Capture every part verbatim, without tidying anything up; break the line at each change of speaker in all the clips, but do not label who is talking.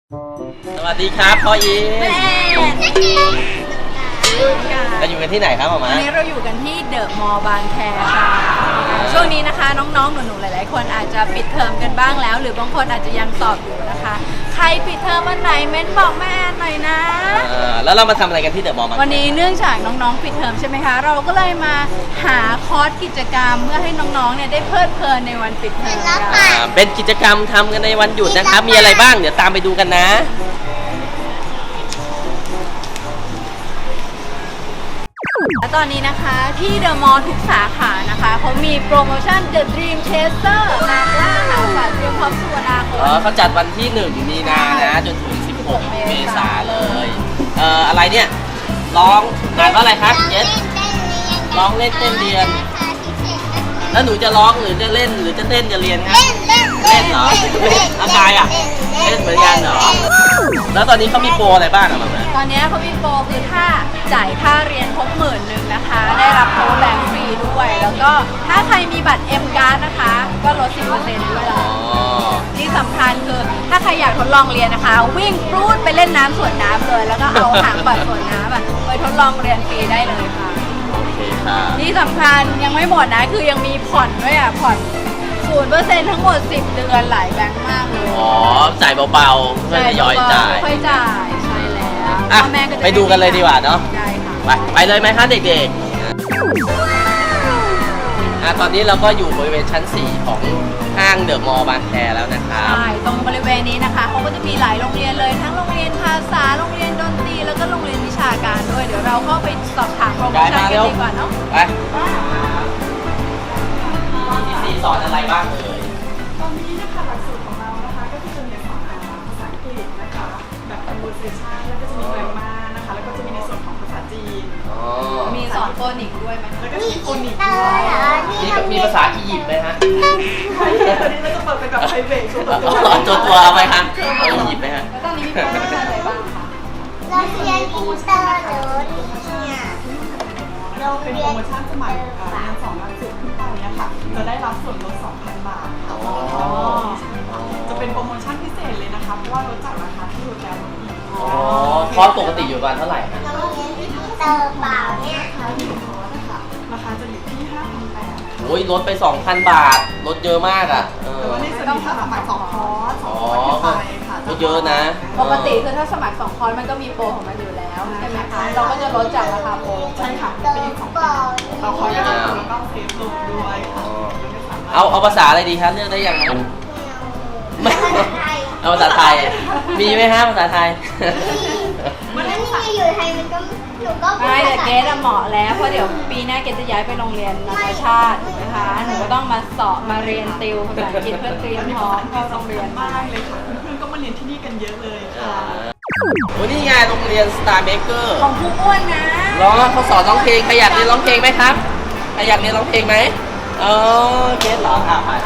สวัสดีครับพ่ออิน
แม่
เราอยู่กันที่ไหนครับหมอ
วั
มาน
นี้เราอยู่กันที่เดอะมอลล์บางแคค่ะช่วงนี้นะคะน้องๆหนูๆหลายๆคนอาจจะปิดเทอมกันบ้างแล้ว หรือบางคนอาจจะยังสอบอยู่นะคะใครปิดเทอมวันไหนเม้นบอกแม่หน่อยนะ
แล้วเรามาทำอะไรกันที่เดอะมอลล์บางแค
วันนี้เนื่องจากน้องๆปิดเทอมใช่ไหมคะเราก็เลยมาหาคอร์สกิจกรรมเพื่อให้น้องๆเนี่ยได้เพลิดเพลินในวันปิดเทอมกัน
อ่าเป็นกิจกรรมทำกันในวันหยุดนะครับมีอะไรบ้างเดี๋ยวตามไปดูกันนะ
และตอนนี้นะคะที่เดอะมอลล์ทุกสาขานะคะเขามีโปรโมชั่น The Dream Chaser นักล่าหาฝันเตรียมพร้อมสู่อนาคต
อ๋อเขาจัดวันที่หนึ่งมีนานะจนถึงสิบหกเมษาเลยเอ่ออะไรเนี่ยร้องอ่านว่าอะไรครับเยสร้องเล่นเต้นเรียนแล้วหนูจะร้องหรือจะเล่นหรือจะเต้นจะเรียนครับเล่นเหรออากายอ่ะเล่นเหมือนกันเหรอแล้วตอนนี้เขามีโปรอะไรบ้างอ่ะมา
ตอนนี้เขามีโปรคือถ้าจ่ายค่าเรียนครบหมื่นหนึ่งนะคะ ได้รับโค้ดแบงค์ฟรีด้วย แล้วก็ถ้าใครมีบัตร M Card นะคะ ก็ลด สิบเปอร์เซ็นต์ ด้วยล่ะที่สำคัญคือถ้าใครอยากทดลองเรียนนะคะ วิ่งปรูดไปเล่นน้ำสวนน้ำเลย แล้วก็เอาหางบัตรสวนน้ำอะไปทดลองเรียนฟรีได้เลยค่ะ
โอเคค่ะ
ที่สำคัญยังไม่หมดนะ คือยังมีผ่อนด้วยอ่ะ ผ่อน ศูนย์เปอร์เซ็นต์ ทั้งหมด สิบ เดือนหลายแบงค์มากเลย
อ๋อจ่ายเบาๆเพื่อทยอยจ่าย
ค่อยจ่ายใช่แล้ว
อ่ะ
พ่อแม่ก็จะ
ไปดูกันเลยดีกว่าเนาะ
ได้ค่ะ
ไปไปเลยไหมคะเด็กๆอ่ะตอนนี้เราก็อยู่บริเวณชั้นสี่ของห้างเดอะมอลล์บางแคแล้วนะครับ
ใช่ ตรงบริเวณนี้นะคะเขาก็จะมีหลายโรงเรียนเลย ทั้งโรงเรียนภาษา โรงเรียนดนตรี แล้วก็โรงเรียนวิชาการด้วย เดี๋ยวเราเข้าไปสอบถามโปรโมชั่นกันดีกว่าเนาะ
ไปที่สี่สอนอะไรบ้างเอ่ย
ตอนนี้นะคะหลักสูตรของเรานะคะก็คือจะมีสอนภาษาอังกฤษนะคะแบบ conversation แล้วก็จะมี grammar นะคะแล้วก็จะมีในส่วนของภาษาจีน
อ๋อ
มีสอนโฟนิกด้วยไหม
แล้วก็มีโฟนิกด้วย
มีมีภาษาอียิปต์ไหมฮะ
ใช่ตอนนี้เราจะเปิดเป็นแบบ private ตัวตัว
อ๋อตัวตัวเอาไหมคะเอาอียิปต์ไหมฮะ
แล้วตอนนี้มีโปรโมชั่นอะไรบ้างคะ
เราเรียนอินเตอร์หรือเนี่ย
เป็นโปรโมชั่นสมัครเรียนสองหลักสูตรขึ้นไปเนี่ยค่ะจะได้รับส่วนลด สองพัน บาทค่ะ
อ๋อ
จะเป็นโปรโมชั่นพิเศษเลยนะคะเพราะว่าลดจากราคาที่ลดแล้วลดอีก
อ๋อคอร์สปกติอยู่ประมาณเท่าไหร่ฮะ
เราเรียนอินเตอร์เปล่าเนี่ย
ราคาหนึ่งคอร์สนะคะราคาจะอยู่ที่ ห้าพันแปดร้อย
โอ้ยลดไป สองพัน บาทลดเยอะมากอ่ะเอ
แต่
อ
ว่าในส่วนนี้ถ้าสมัครสองคอร์สสองคอร์สขึ้นไปค่ะ
ก็เยอะนะ
ปกติคือถ้าสมัครสองคอร์สมันก็มีโปรของมันอยู่แล้วใช่ไหมคะ เราก็จะลดจากราคาโปร
ใช่ค่ะเป็นอีกสองเราคอยจะถูกแล้วก็เซฟลงด้วยค่ะ
เอาเอาภาษาอะไรดีคะเลือกได้ยังครับไม่เอาภาษาไทย มีไหมฮะภาษาไทย
มันไม่มีอยู่ไทยมันก็หนูก็พูด
ไม่แต่
ภาษา
เกสอะเหมาะแล้วเพราะเดี๋ยวปีหน้าเกสจะย้ายไปโรงเรียนนานาชาตินะคะ หนูก็ต้องมาสอบมาเรียนติวภาษาอังกฤษเพื่อเตรียมพร้อมเข้าโรงเรียน
มากเลยค่ะเพื่อนๆก็มาเรียนที่นี่กันเยอะเลยค่ะ
วันนี้ไงโรงเรียน Star Maker
ของครูอ้วนนะ
ร้องเขาสอนร้องเพลงใครอยากเรียนร้องเพลงไหมครับใครอยากเรียนร้องเพลงไหมเออเคสเหรออ่ะไป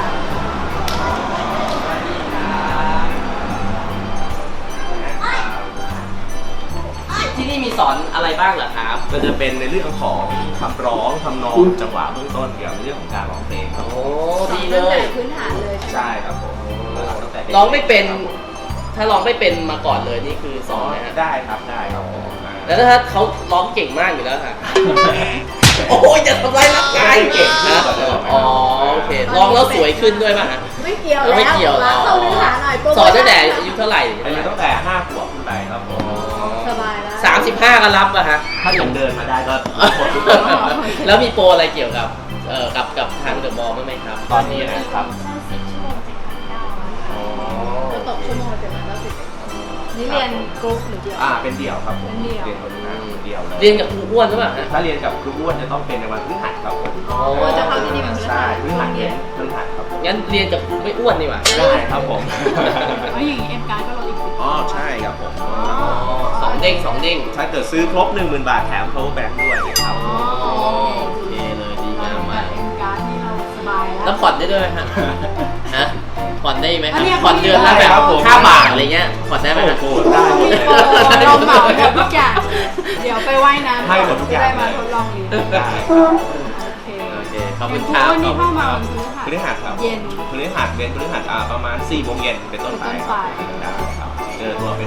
ที่นี่มีสอนอะไรบ้างเหรอครับ
ก็จะเป็นในเรื่องของคำร้องทำนองจังหวะเบื้องต้นเกี่ยวกับเรื่องของการร้องเพลงครับ
โอ้
สอน
ดีเล
ตั้งแต่
ย
พื้นฐานเลย
ใช่ครับผมตั้งแต่ด็ก
ร้องไม่เป็น ถ้าร้องไม่เป็นมาก่อนเลยนี่คือสอนนะฮะ
ได้ครับได้ครับผมอ่า
แล้วถ้าเขาร้องเก่งมากอยู่แล้วค่ะ โอ้ยอย่าทำร้ายร่างกาย
เก่ง
นะ อ๋อโอเคร้องแล้วสวยขึ้นด้วยป่ะฮะ
ไม่เกี่ยว
เออ
แล้ว
ไม่เกี่ยว
เข้าเนื้อหาหน่อยโปรโม
สอน
ชั่
ตั้งแต่อายุเท่าไหร่
อายุตั้งแต่ห้าขวบขึ้นไปครับผม
สบายแล้ว
สามสิบห้าก็รับอะฮะ
ถ้ายังเดินมาได้ก็หมดทุกค
อ๋
น
อ
แล้วมีโปรอะไรเกี่ยวกับเอ่อกับกับทางเดอะมอลล์บ้างไหมครับ
ตอนนี้นะครับ
อ๋อ
จะตกชั่วโมงละเจ็ดร้อยเก้าสิบนี่เรียนกรุ๊ปหรือเดียว
อ่าเป็นเดี่ยวครับผม
เป็นเดี่ยว
เรียนคนงานเดี่ยวเลย
เรียนกับครูอ้วนหรือเปล่าฮะ
ถ้าเรียนกับครูอ้วนจะต้องเป็นในวันพฤหัสครับผม
อ๋อว่าจะเข้าที่นี่เป็นพฤ
ใช่
หัส
พฤหัสเย็นพฤหัสครับผม
งั้นเรียนกับครูไม่อ้วนดีกว่า
ได้ครับผม
แล้วอย่างนี้เอ็มการ์ดก็ลดอีกสิบ
อ๋อใช่ครับผม
อ๋อสองเด้งสองเด้ง
ถ้าเกิดซื้อครบ หนึ่งหมื่น บาทแถม power bank ด้วยครับ
โอเคเลยดีงามมาก
เอ็มการ์ดนี่เราสบายแล้
แล้ว
ว
ผ่อนได้ด้วยไหมฮะ ฮะ ผ่อนได้ไหมครั
อั
บ
นเนี้ย
ผ่อนเดือนละแบบห้าบาทอะไรเงี้ย ผ่อนได้ไหมฮะ
โอ้โหได้หมดเลย
โอ้เราเหมาหมดทุกอย่าง เดี๋ยวไปว่ายน้ำ
ให้หมดทุกอย่าง
จะได้มาทดลองเรียน
ได้
โอเค
โอเค ขอบคุณ
ครู
ครับ
อ้วนนี่เข้ามาวัน
พ
พฤ
ฤ
หัส
หัสครับ
เย็น
พฤหัสเรียนพฤหัสอ่าประมาณสี่โมงเย็นเป็นต้นไป
เป็นต้นไป
ได้ครับเจอตัวเป็น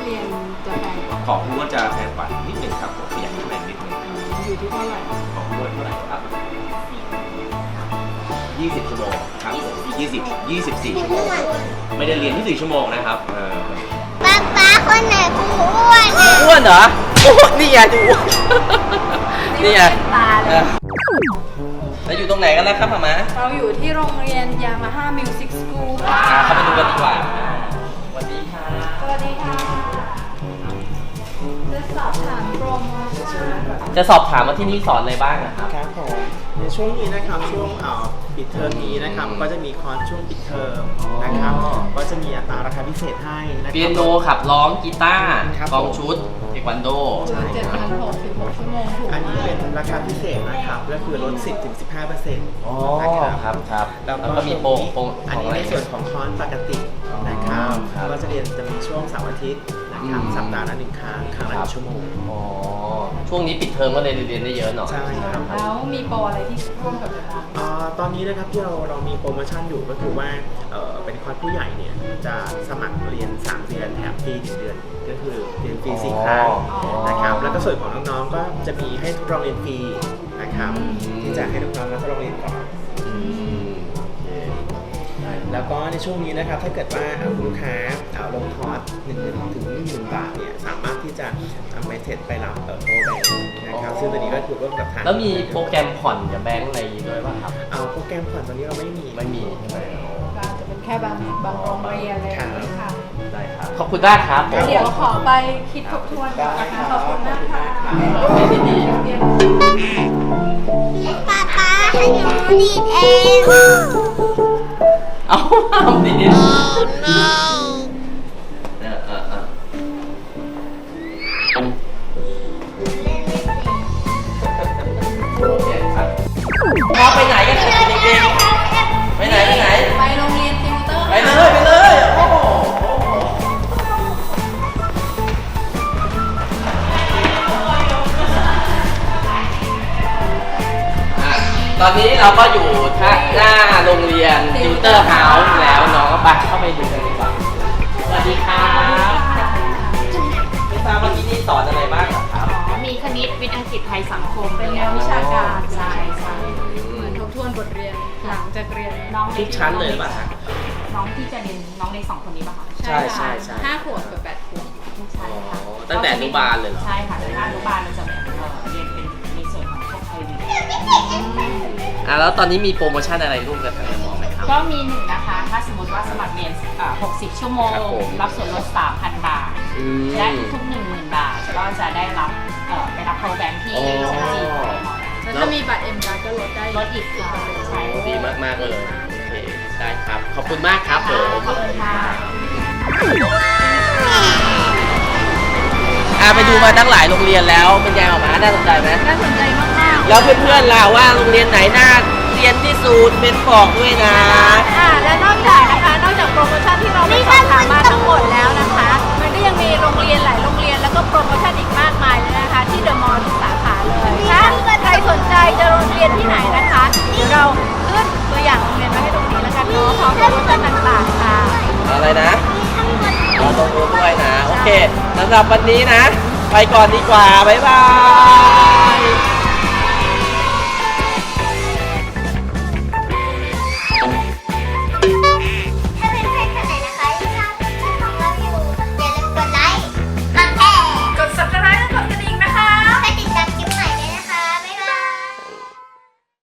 เรียนจะแพงกว่า
ของผู้ว่าจะแพงกว่านิดหนึ่งครับผมขยันขึ้นไปนิดหนึ่ง
อยู่ที่เท่าไหร่
ของผู้ว่าเท่าไหร่ครับยี่สิบชั่วโมงครับผมยี่สิบ ยี่สิบสี่ชั่วโมงไม่ได้เรียนยี่สิบสี่ชั่วโมงนะครับเออ
ป๊าป๊าคนไหนกูอ้วนอ่ะ
อ้วนเหรอโอ้นี่ไงดูอ้วนนี่ไง
ตาเล
เอย อแล้วอยู่ตรงไหนกันแล้วครับพ่อมา
เราอยู่ที่โรงเรียนยามาฮ่ามิวสิกสคูล
อ่าเข้าไปดูกันดีกว่าสวัสดีค่ะ
สวัสดีค่ะ จะสอบถามโปรโมชั่น
จะสอบถามว่าที่นี่สอนอะไรบ้างนะครับ
ครับผมในช่วงนี้นะครับช่วงเอ่อปิดเทอมนี้นะครับก็จะมีคอร์สช่วงปิดเทอมนะครับ
อ๋อ
ก็จะมีอัตราราคาพิเศษให้นะครั
เปียโนขับร้องกีตาร์
ครับ
กลองชุดเทควันโด
เจ็ดพันหกสิบหกชั่วโมงถูก
อันนี้เป็นราคาพิเศษนะครับก็คือลด สิบถึงสิบห้าเปอร์เซ็นต์
อ๋อ
นะครับ
ครับ
แล้ว
แล้ว
ก็
ก็มีโปรโปร
อัน
ของ
นี้
อะไร
ในส่วนของคอร์สปกตินะครับ
ครับ
ก็จะเรียนจะมีช่วงเสาร์อาทิตย์นะครับ
อืม
สัปดาห์ละหนึ่งครั้งครั้งละหนึ่งชั่วโมง
อ๋อ ช่วงนี้ปิดเทอมก็เลยเรียนได้เยอะหน่อย
ใช่ครับ
แล้วมีโปรอะไรที่ร่วมกับเรา
อ่าตอนนี้นะครับที่เราเรามีโปรโมชั่นอยู่ก็คือว่าเอ่อเป็นคอร์สผู้ใหญ่เนี่ยจะสมัครเรียนสามเดือนแถมฟรีหนึ่งเดือนก็คือเรียนฟรีสี่ครั้ง
อ๋อ
นะครับแล้วก็ส่วนของน้องๆก็จะมีให้ทดลองเรียนฟรีนะครับ
อืม
ที่จะให้น้องๆมาทดลองเรียนก่อน
อืมโอเค
แล้วก็ในช่วงนี้นะครับถ้าเกิดว่าเอ่อคุณลูกค้าเอ่อลงคอร์สหนึ่งถึงหนึ่งบาทเนี่ยสามารถที่จะเอาไปเทรดไปรับเอ่อโทรแบงค์นะครับซึ่งตัวนี้ก็คือร่วมกับทาง
แล้วมีโปรแกรมผ่อนกับแบงก์อะไรด้วยป่ะครับ
เอาโปรแกรมผ่อนตอนนี้เราไม่มี
ไม่มีใช่ไหม
ก็จะเป็นแค่บางบางโรงเรียนเลย
ครับ
ค่ะ
ได้ครับ ขอบคุณมากครับผม
เดี๋ยวขอไปคิดทบทวนก่อนนะคะขอบคุณมากค่ะ
เรียนดี
ป๊าป๊าให้หนูดีดเอง
ๆเอาทำดีเออเออเออพอไปไหนกันเนี่ยเด็กๆไปไหนไปไหน
ไปโรงเรียนติวเตอร์
ไปเลยไปเลยโอ้โหอ่ะตอนนี้เราก็อยู่ท่าหน้าโรงเรียนติวเตอร์เฮาส์แล้วเน้องไปเข้าไปดูกันดีกว่าสวัสดีครับไม่ทราบว่าที่นี่สอนอะไรบ้างเหรอครับ
อ๋อมีคณิตวิทย์อังกฤษไทยสังคม
เป็นงานวิชาการ
ใช่ใช่
เหมือนทบทวนบทเรียนหลังจากเรียน
น้อง
ทุกชั้นเลยหรือเปล่าฮะ
น้องที่จะเรียนน้องเล็กสองคนนี้ป่ะคะ
ใช่ใช่ใช่
ห้าขวบกับแปดขวบ
ใช่ค่ะ
อ๋อตั้งแต่อนุบาลเลยเหรอ
ใช่ค่ะตั้งแต่อนุบาลเราจะแบบเอ่อเรียนเป็นในส่วนของพวกไทยวิทย์
อ่ะแล้วตอนนี้มีโปรโมชั่นอะไรร่วมกับทางมอไหมครับ
ก็มีหนึ่งนะคะ ถ้าสมมติว่าสมัครเรียนเอ่อหกสิบชั่วโมง
ครับผม
รับส่วนลดสามพันบาท
อืม
และทุกหนึ่งหมื่นบาทก็จะได้รับเอ่อไปรับโปรแบงค์ที่
อ๋อ
ชั้นจีนของมอ
แล้วถ้ามีบัตรเอ็มการ์ดก็ลดได้
ลดอีกสิบเปอร์เซ็นต์ใช่
ดีมาก ๆ เลย โอเค ได้ครับ ขอบคุณมากครับผม
ขอบคุณค่ะ
อ่ะไปดูมาตั้งหลายโรงเรียนแล้ว เป็นไงออกมาน่าสนใจไหม
น่าสนใจมากๆ
แล้วเพื่อนๆล่ะว่าโรงเรียนไหนน่าเรียนที่สุดเป็นบอกด้วยนะ
อ่าและนอกจากนะคะ นอกจากโปรโมชั่นที่เราได้สอบถามมาทั้งหมดแล้วนะคะ มันก็ยังมีโรงเรียนหลายโรงเรียนแล้วก็โปรโมชั่นอีกมากมายเลยนะคะ ที่เดอะมอลล์ทุกสาขาเลยถ้าใครสนใจจะโรงเรียนที่ไหนนะคะเดี๋ยวเราขึ้นตัวอย่างโรงเรียนมาให้ตรงนี้แล้วกันเนาะพร้อมโปรโมชั่นต่างๆค่ะ
อะไรนะรอตรงนู้นด้วยนะ โอเคสำหรับวันนี้นะ ไปก่อนดีกว่า บ๊ายบาย